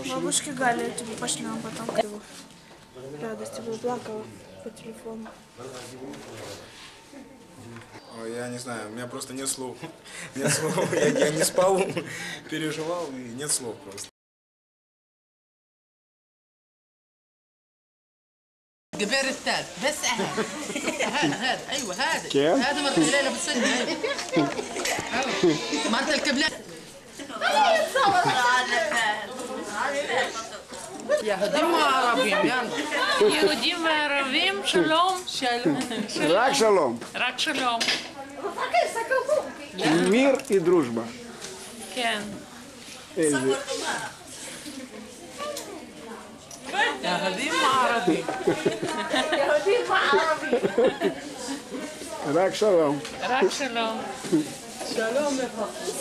Бабушке Гале тебе пошлем потом. Радости бы плакала по телефону. Ой, я не знаю, у меня просто нет слов. Нет слов. Я не спал, переживал, и нет слов просто. جبير الثالث بس هذا ايوه هذا كيف؟ هذا مرة ليلى بالسنة ما انت الكبلة يهوديم وعربيم يلا יהודים וערבים, שלום. Рак шалом. רק שלום. Мир и дружба. כן. Эльзи. يهوديم وعربيم Рак шалом. רק שלום. שלום לך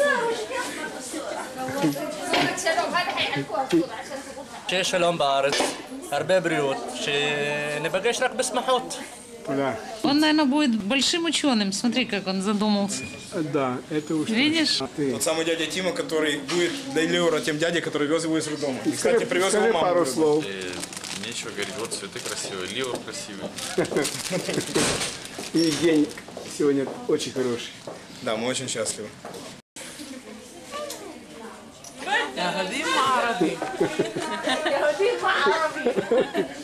שיהיה שלום בארץ, הרבה בריאות, שניפגש רק בשמחות. Да, Он, наверное, будет большим ученым. Смотри, как он задумался. да, это уж. Видишь? А ты Тот самый дядя Тима, который будет для Леора тем дядей, который вез его из роддома. И, кстати, привез скажи его маму. пару в роддом. слов. Нечего говорить, вот цветы красивые, Ливр красивый. И день сегодня очень хороший. Да, мы очень счастливы. يهوديم وعربيم